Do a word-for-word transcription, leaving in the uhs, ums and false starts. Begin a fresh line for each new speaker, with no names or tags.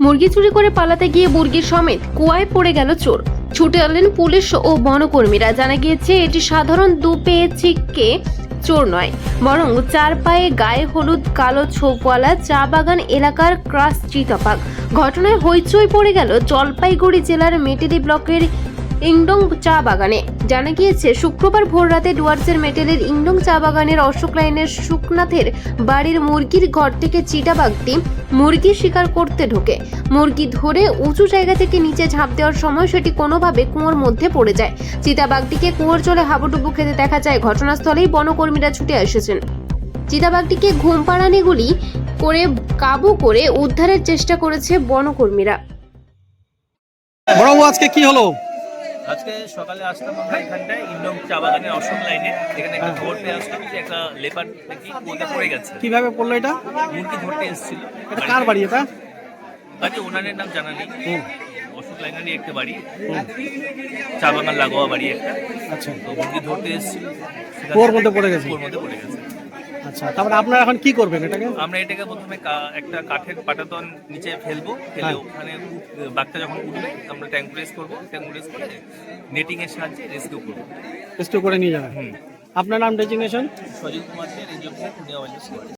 মুরগি চুরি করে পালাতে গিয়ে মুরগির সমেত কুয়ায় পড়ে গেল চোর। ছুটে এলেন পুলিশ ও বনকর্মীরা। জানা গিয়েছে এটি সাধারণ দুপেয়ে চিক্কে চোর নয়, বরং চার পায়ে গায়ে হলুদ কালো ছোপওয়ালা চা বাগান এলাকার ক্রাস চিতাবাঘ। ঘটনায় হইচই পড়ে গেল জলপাইগুড়ি জেলার মেটেলি ব্লকের ইংডং চা বাগানে। জানা গিয়েছে শুক্রবার ভোররাতে ডুয়ার্সের মেটেলের ইংডং চা বাগানের অশোক লাইনের সুকনাথের বাড়ির মুরগির ঘর থেকে চিতাবাঘটি মুরগি শিকার করতে ঢোকে। মুরগি ধরে উঁচু জায়গা থেকে নিচে ঝাঁপ দেওয়ার সময় সেটি কোনোভাবে কুয়োর মধ্যে পড়ে যায়। চিতাবাঘটিকে কুয়োর জলে হাবুডুবু খেতে দেখা যায়। ঘটনাস্থলেই বনকর্মীরা ছুটে এসেছেন। চিতাবাঘটিকে ঘুম পাড়ানি গুলি করে কাবু করে উদ্ধারের চেষ্টা করেছে বনকর্মীরা।
বড়বাবু, আজকে কি হলো?
আজকে সকালে আসলাম আমরা এখানটায় ইন্ডং চা বাগানের অশোক লাইনে। এখানে একটা খবর পেয়ে আসলাম যে একটা লেপার নাকি কুয়োতে পড়ে গেছে।
কিভাবে পড়লো এটা?
মুরগি ধরতে এসেছিল।
এটা কার বাড়ি এটা?
বাড়ি ওনারের নাম জানা নেই। অশোক লাইনেরই একটা বাড়ি, চা বাগান লাগোয়া বাড়ি একটা।
আচ্ছা,
তো মুরগি ধরতে এসেছিল,
কুয়োর মধ্যে পড়ে গেছে।
কুয়োর মধ্যে পড়ে গেছে।
আচ্ছা, তারপরে আপনারা এখন কি করবেন এটাকে?
আমরা এটাকে প্রথমে কা- একটা কাঠের পাটাতন নিচে ফেলবো, ফেলে
হ্যাঁ।
ওখানে উঠ- বাঘটা যখন উঠবে আমরা ট্যাঙ্ক প্রেস করবো, ট্যাঙ্ক প্রেস করে নেটিং এর সাহায্যে রেস্কিউ করবো।
রেস্কিউ করে নিয়ে যাবেন।
হুম
আপনার নাম, designation?
Sajit Kumar De, range officer, Punia wild life.